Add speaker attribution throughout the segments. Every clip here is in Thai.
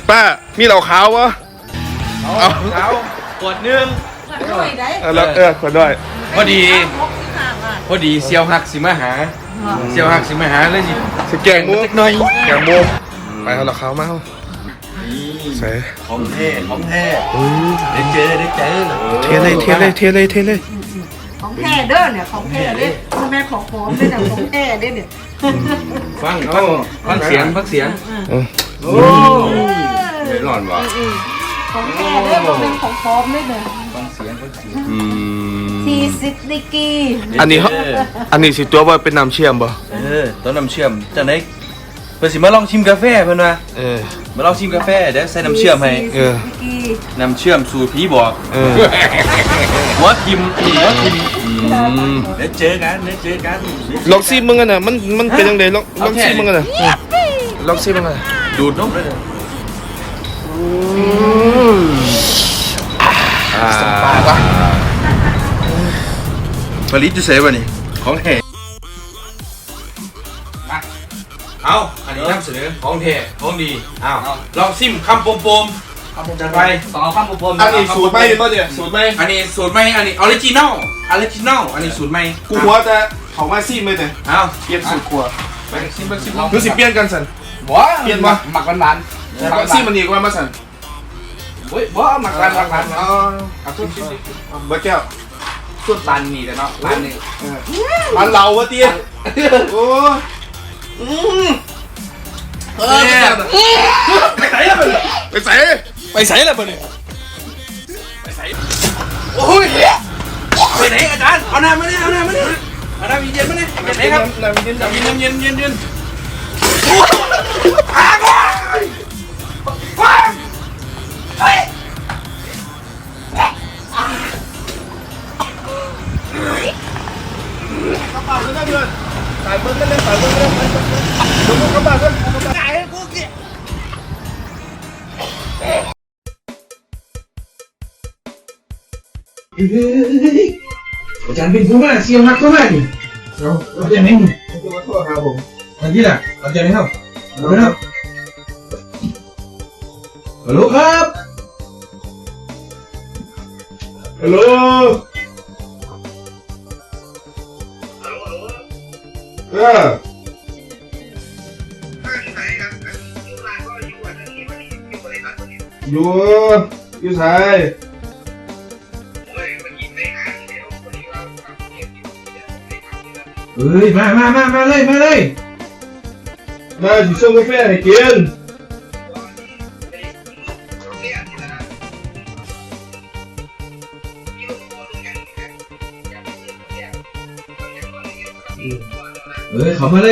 Speaker 1: ป้ามีเหล้าขาววะ
Speaker 2: เอาขาวขวดนึง
Speaker 1: แล้วขอด้วย
Speaker 2: พอดีเซียวหักสิมาหาเซียวหักสิมาหาเลย
Speaker 1: สิแกงหมู
Speaker 2: หน่อย
Speaker 1: แกงหมูไปเอาเหล้าขาวมาเอาใส่
Speaker 2: ของแท้ได้เจอ
Speaker 1: เทเลย
Speaker 3: ของแท้เด้อเนี่ยของแท้เด้อแม่ของหอมเด้อเนี่ยของแท้เด้อเนี่ย
Speaker 2: ฟังเสียงโอ้เดือดร้อนวะ
Speaker 3: ของแท้เด้อเป็นของหอมเด้อเนี่ย
Speaker 2: ฟังเสียง
Speaker 3: 40 ดีกรี
Speaker 1: อันนี้สิตัวว่าเป็นน้ำเชื่อมบ่
Speaker 2: ต้นน้ำเชื่อมจังได๋เพิ่นสิมาลองชิมกาแฟเพิ่นว่ามาลองชิมกาแฟเดี๋ยวใส่น้ำเชื่อมให้น้ำเชื่อมสูตรผีบอกหัวทิมเดี๋ยวเจอกัน
Speaker 1: ลองซิมึงกันน่ะมันเป็นยังไงลองซิมึงกันน่ะลองซิมึงกันน่ะ
Speaker 2: ดูดนมเลย
Speaker 1: สบายปะ
Speaker 2: ผลิตจะเสพวะนี่ของแท้เอาอันนี้นำเสนอของแท้ของดีลองซิมคำปมจัดไป2คำปม
Speaker 1: อันนี้สูตรไหมป่ะเนี่ยสูตรไหม
Speaker 2: อันนี้สูตรไหมอันนี้ออริจินอลอันนี้สูตรไหม
Speaker 1: กูหัวจะเขามาซิมเลยเนี่ย
Speaker 2: เอา
Speaker 1: เปลี่ยนสูตรครัว
Speaker 2: ไปซิม
Speaker 1: คือสิเปลี่ยนกันสันเปลี่ยนมา
Speaker 2: หมักหวาน
Speaker 1: ซิมมันอีกว่ามาสัน
Speaker 2: เฮ้ยบ่หมักหวาน
Speaker 1: เอาทุกเบอร์แก้ว
Speaker 2: สุดร้านนี้เลยเนาะร้านนี้
Speaker 1: ร้านเราวะเตี้ยโอ้ไปใส่แล้วเบอร์เนี่ย
Speaker 2: โอ้ยไปไหนอาจารย์เอาน้ำมาเนี่ยเอาน้ำเย็นมาเนี่ยไหนครับน้ำเย็น
Speaker 1: กระเป๋าด้วยนะเพื่อนสายเบิ้ลกันเลยดูกระเป๋าด้วยจ่ายให้กูเกี่ย
Speaker 4: อาจารย์เป็นผู้ว่าเสียวหักเข้ามาดิเราจะไม่หุ่นขอโทษครับผมอันที่ล่ะอาจารย์ไม่เข้าไม่เข้าฮัลโหลครับ
Speaker 1: ฮัลโหลอยู่ไทย
Speaker 4: เฮ้ยมาเลย
Speaker 1: มาสิส่งกาแฟให้กิน
Speaker 4: เข้ามาเลย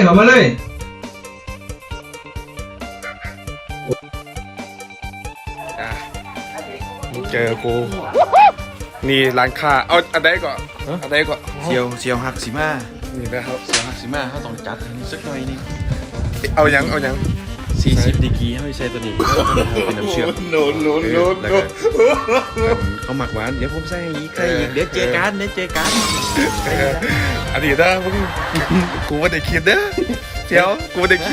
Speaker 1: เจอกูนี่ร้านค้าเอาอันใดก่อน
Speaker 2: เซียวหักสิมา
Speaker 1: นี่นะครับ
Speaker 2: เซียวหักสิมาเขาต้องจัดสักหน่อยนึง
Speaker 1: เอายัง
Speaker 2: 40 ดีกรีให้ใช้ตัวนี้เป็นน้ำเชื่อม
Speaker 1: โน
Speaker 2: เขาหมักหวานเดี๋ยวผมใส่อีกเดี๋ยวเจอกัน
Speaker 1: อันนี้นะมึงกูไม่ได้คิดนะเจ้ากูไม่ได้คิด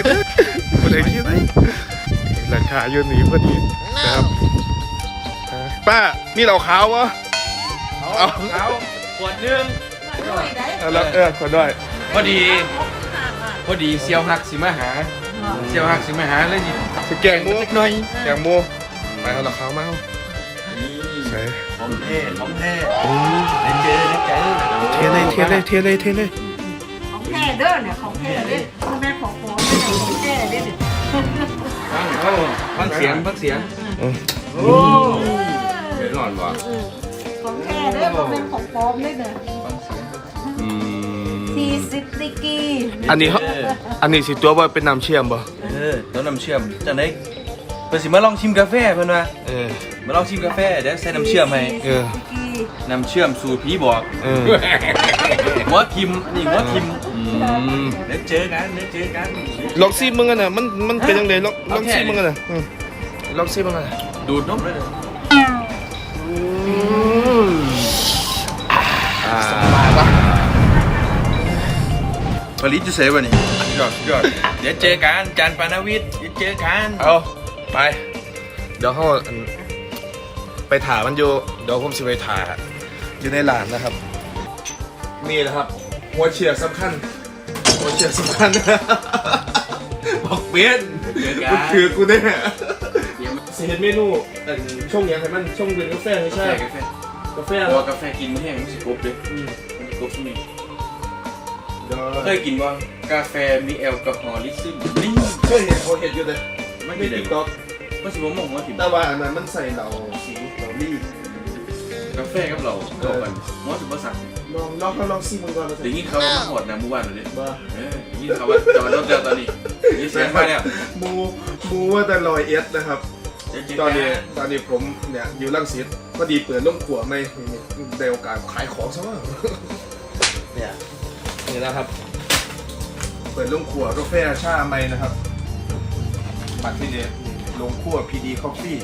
Speaker 1: ราคาอยู่นี้พอดีนะครับป้ามีเหล้าขาววะ
Speaker 2: เอาขาวขวดนึง
Speaker 1: แล้วขอด้วย
Speaker 2: พอดีเซียวหักสิมาหาเลย
Speaker 1: สิแกงหมู
Speaker 2: หน่อย
Speaker 1: แกงหมูไปเอาเหล้าขาวมาเอาใส่
Speaker 2: ของแท้ได้เจอ
Speaker 1: เทเลย
Speaker 3: ของแท้เด้อเนี่ยของแท้เด้อแม่ของหอมเด้อของแท้เด้อเนี่ย
Speaker 2: ฟังเสียงโอ้เดือดร้อนวะ
Speaker 3: ของแท้เด้อเป็นของหอมเด้อเนี่ย40 ดีกรี
Speaker 1: อันนี้สิตัวว่าเป็นน้ำเชื่อมบ่
Speaker 2: ต้นน้ำเชื่อมจังได๋เพิ่นสิมาลองชิมกาแฟเพิ่นว่ามาลองชิมกาแฟเดี๋ยวใส่น้ำเชื่อมให้น้ำเชื่อมสูตรผีบอกหัวทิมเดี๋ยวเจอกัน
Speaker 1: ลองซิมึงกันน่ะมันเป็นยังไงลองซิมึงกันน่ะลองซิมึงกันน่ะ
Speaker 2: ดูดนมเลย
Speaker 1: สบายปะ
Speaker 2: ผลิตจะเสพวะนี่ยอดเดี๋ยวเจอกันจันปานาวิทย์เดี๋ยวเจอกัน
Speaker 1: เอาไป
Speaker 4: ไปเดี๋ยวเขาไปถ่ามันอยู่เดี๋ยวผมสิไปถ่าอยู่ในร้านนะครับนี่นะครับหัวเฉียดสำคัญหัวเฉียดสำคัญบอกเบี้ยนกูถือกูเนี่ยเสียเมนูช่วงยังไงมันช่วงเป็นกาแฟไม่ใช่กาแฟ
Speaker 2: เพราะว่ากาแฟกินไม่แห้งมันสิกบเลยมันกบที่นี่เคยกินว่ากาแฟมีแอลกอฮอล์ลิซึมนี่
Speaker 4: เคยเห็นเขาเห็นอยู่เลยไม่ได้ติ๊กต็อก
Speaker 2: ก็สิบ่มองว่าถิ่ม
Speaker 4: แต่ว่าอันนั้นมันใส่เหล่าสีเหล่าลี่
Speaker 2: กาแฟกับเราก็กันมอสิบ่สั่ง
Speaker 4: ลองซิมันก่อน
Speaker 2: ได้ยินเขาว่ามาหอดนะเมื่อวานเลย
Speaker 4: บ้า
Speaker 2: ได้ยินเขาว่าจอดรถแล้วตอนนี้นี่เสียงมาแล้ว
Speaker 4: มูว่าแต่ลอยเอสนะครับตอนนี้ผมเนี่ยอยู่รังสิตพอดีเปิดร่มขัวไม่ได้โอกาสขายของซะว่าเนี่ยนี่นะครับ เปิดร่มขัวกาแฟชาไม่นะครับบัตรที่เนี่ยลงขัว PD Coffee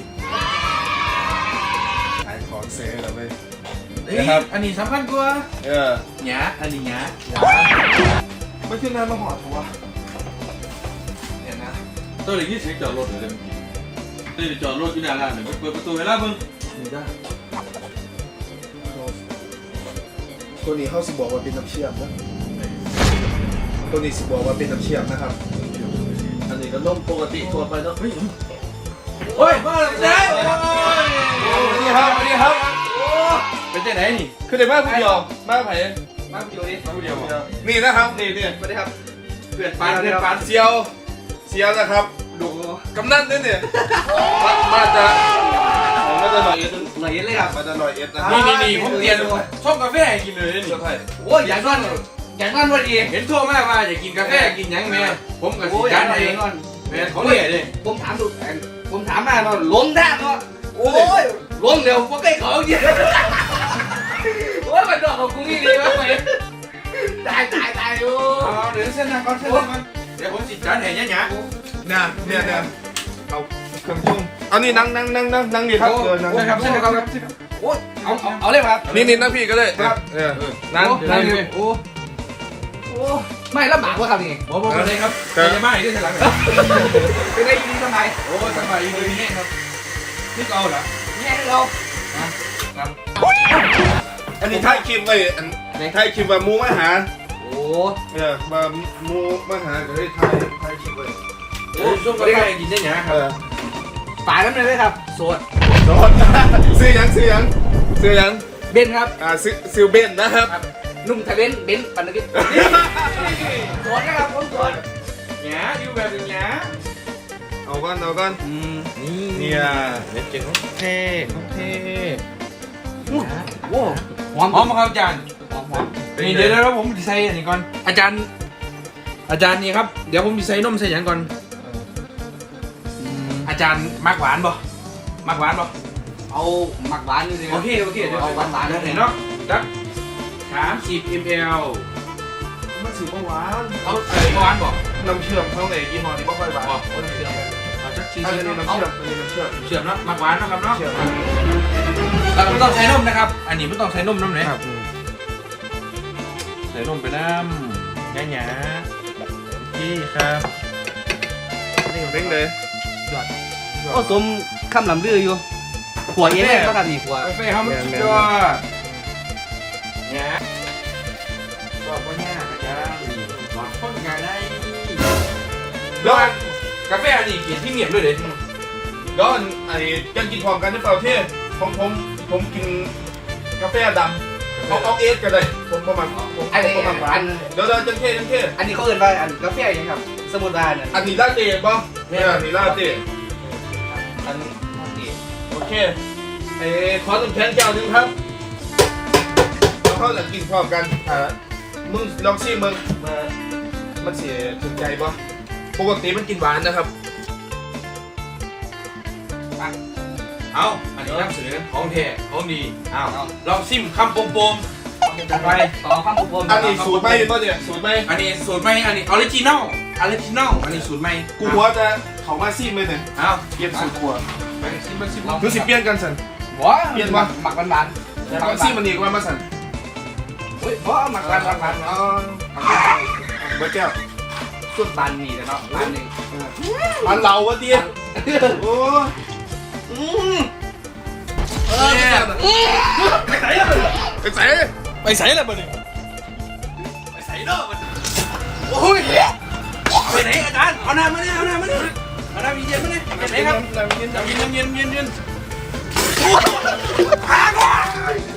Speaker 4: ขายของเซ่แล้วไป
Speaker 2: นะครับอันนี้สำคัญกว่า
Speaker 4: หยา
Speaker 2: อันนี้หยา
Speaker 4: ไม่ขึ้นน้ำมาหอดทัวเนี่ยนะ
Speaker 2: ตัวนี้เสียงจอดรถเลยตัวนี้จอดรถอยู่หน้าร้านเลยเปิดประตูให้ล่าเบิ่ง
Speaker 4: นี่ได้ตัวนี้เขาสิบอกว่าเป็นน้ำเชื่อมนะตัวนี้สิบอกว่าเป็นน้ำเชื่อมนะครับอันนี้ก็ล่มปกติทั่วไปเนาะ
Speaker 2: โอ้ยมาแล้วเจ๊
Speaker 4: นี่ครับนี่ครับ
Speaker 2: เป็นเจ๊ไหนนี่
Speaker 4: คือในบ้านผู้เดียวบ้านไผ่
Speaker 2: มาผู้เดียวนี่มาผู้เดียวบ่
Speaker 4: นี่นะครับนี่
Speaker 2: สวัสดีครับเพื่อนปาน
Speaker 4: เซียวนะครับดูกำนันด้วยเนี่ยมาจะลอยเอ็ดเลยครับมาจะลอยเอ็ดนะ
Speaker 2: นี่ผมเรียนชอบกาแฟกินเลยนี่ โอ้ยอย่างนั้นวันดีเห็นทั่วมากว่าอยากกินกาแฟกินยังแม่ผมกับสิจานเองแม่เขาเรียกเลยผมถามมาเนาะล้มได้เนาะโอ้ยล้มเดี๋ยวพวกไอ้เขาเยอะโอ้ยมันดอกของกูนี่ดีมากเลยตายโอ้เดี๋ยวเส้นนะก่อนเดี๋ยวผมสิจานเห็นยังเนี่ย
Speaker 4: เอาเครื่องชุ่มเอานี่นั่งดีครับ
Speaker 2: ครับเส้นครับโอ้ยเอาเลยครับ
Speaker 4: นี่นั่งพี่ก็ได้ครับนั่งเลย
Speaker 2: โอ้ไม่ลำบากวะครับนี่ผมเลยครับจะมาอีกด้วยหลังเป็นไงดีสบายโอ้สบายดีเลยนี่ครับนี่เอาเหรอนี่เราครับ
Speaker 4: อันนี้ท้ายคลิปไว้ท้ายคลิปว่ามูมาหา
Speaker 2: โอ้
Speaker 4: มามูมาหาก็ได้ท้ายคลิปไว้
Speaker 2: โอ้ช่วงกาแฟกินได้ยังครับฝาน้ำเลยครับสด
Speaker 4: ซื้อยัง
Speaker 2: เบนครับ
Speaker 4: ซื้อเบนนะครับ
Speaker 2: นุ่มทะเลนเบนปันนกิจสดนะครับผมสดหยาอยู่แบบหยา
Speaker 4: เอากันนี่เนี่ยเก่งของเท่
Speaker 2: โอ้หอมครับอาจารย์หอมนี่เดี๋ยวผมใส่อันนี้ก่อนอาจารย์นี่ครับเดี๋ยวผมใส่นมใส่อย่างก่อนอาจารย์มักหวานบ่
Speaker 5: เอาหมักหวานนี่สิ
Speaker 2: โอเคเดี๋ยว
Speaker 5: เอาหวานๆ
Speaker 2: เห็นเนาะจัก30 ml
Speaker 4: มันถือว่าหวาน
Speaker 2: เอาหวานบ่
Speaker 4: น้ำเชื่อมเขาในยี่ห้อนี้ไม่ค่อยหวาน
Speaker 2: เอาจัก40
Speaker 4: อันนี้น้ำเชื่อม
Speaker 2: เนาะมักหวานนะครับเนาะเราไม่ต้องใช้นมนะครับอันนี้ไม่ต้องใช้นมน้ำไหนใส่นมไปน้ำหยาพี่ครับ
Speaker 4: นี่เร่งเลย
Speaker 5: ก็สมคำลำลืออยู่หัวเย็นเลยก็ทำอีกหัว
Speaker 2: กาแฟเขามันสุดยอดเนี่ยบอกว่าเนี่ยกระจายหวานข้นกันได้แล้วกาแฟอันนี้เขียนที่เหนียบด้วยเลย
Speaker 4: แล้วไอ้ยังกินพร้อมกันหรือเปล่าที่ผมกินกาแฟดำเอาเอสกันเลยผมประมาณหวานเดี๋ยวจังเท่
Speaker 5: อันนี้เขาเอ่นว่าอันกาแฟยังครับสมุนไพร
Speaker 4: อันนี้ลาเต้ป่ะเนี่ยอันนี้ลาเต้อันโอเคขอ1 แพ็คเจ้านึงครับแล้วเขาจะกินพร้อมกันมึงลองชิมมึงมันเสียถึงใจป่ะปกติมันกินหวานนะครับ
Speaker 2: เอาอันนี้น้ำเสือของแท้ของดีเอาลองซิมคำโปมไป
Speaker 5: ต่อข้ามบุพม
Speaker 4: อันนี้สูตรไหมป่ะเนี่ยสูตรไหม
Speaker 2: อันนี้สูตรใหม่อันนี้ออริจินอลอันนี้สูตรใหม่
Speaker 4: กูหัวจะเขามาซิมเลยเนี่ย
Speaker 2: เอา
Speaker 4: เปลี่ยนสูตรหัว
Speaker 2: ไปซิม
Speaker 4: รู้สิเปลี่ยนกันสัน
Speaker 5: หัวเปลี่ยนว่าหมักหวาน
Speaker 4: แล้วซิมมันอีกว่ามาสัน
Speaker 5: เฮ้ยหัวหมักหวาน
Speaker 4: เบอร์แก้ว
Speaker 5: สุดบานนี่แต่เนาะบานหนึ่ง
Speaker 4: อันเราวะเตี้ย
Speaker 5: บ
Speaker 1: โอ้ไปไหนล่ะ
Speaker 4: ไปใส่แล้วบ่เนี่ย
Speaker 2: ไปใส่เนาะโอ้ยไปไหนอาจารย์เอาน้ำมาเนี่ยเอาน้ำมาเนี่ยเอาน้ำเย็นมาเนี่ยไปไหนครับน้ำเย็น